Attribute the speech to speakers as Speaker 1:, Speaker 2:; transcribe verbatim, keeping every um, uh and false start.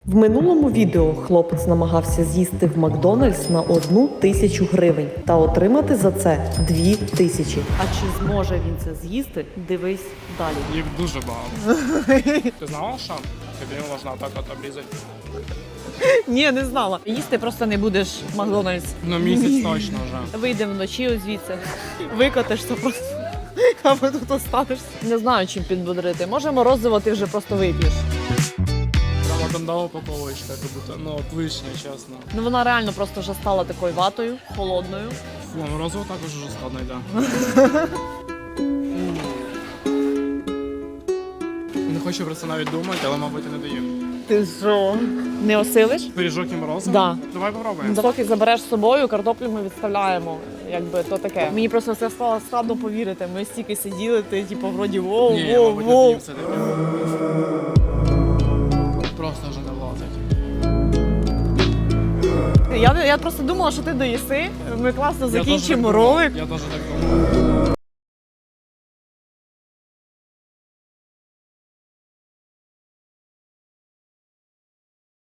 Speaker 1: В минулому відео хлопець намагався з'їсти в Макдональдс на одну тисячу гривень та отримати за це дві тисячі. А чи зможе він це з'їсти? Дивись далі.
Speaker 2: Їх дуже багато. Ти знала, що тобі можна так от обрізати?
Speaker 3: Ні, не знала. Їсти просто не будеш в Макдональдс.
Speaker 2: Ну місяць точно вже.
Speaker 3: Вийдемо вночі ось звідси, викотишся просто, або тут останешся. Не знаю, чим підбодрити. Може, морозиво ти вже просто вип'єш.
Speaker 2: Прямо гандала упаковочка, як будто, ну от вишня, чесно.
Speaker 3: Ну вона реально просто вже стала такою ватою, холодною.
Speaker 2: Фу, морозиво також вже складно йде. Не хочу про це навіть думати, але, мабуть, я не даю.
Speaker 3: Ти що? Не осилиш?
Speaker 2: Пиріжок і морозиво?
Speaker 3: Да.
Speaker 2: Давай попробуємо.
Speaker 3: Поки забереш з собою, картоплю ми відставляємо. Якби то таке. Мені просто це стало складно повірити. Ми стільки сиділи, ти типу вроді воу,
Speaker 2: Ні, я,
Speaker 3: воу,
Speaker 2: мабуть,
Speaker 3: воу.
Speaker 2: не все таки. Просто вже не влазить.
Speaker 3: Я, я просто думала, що ти доїси. Ми класно
Speaker 2: Я теж
Speaker 3: закінчимо
Speaker 2: так думав.
Speaker 3: ролик.
Speaker 2: Я теж так думав.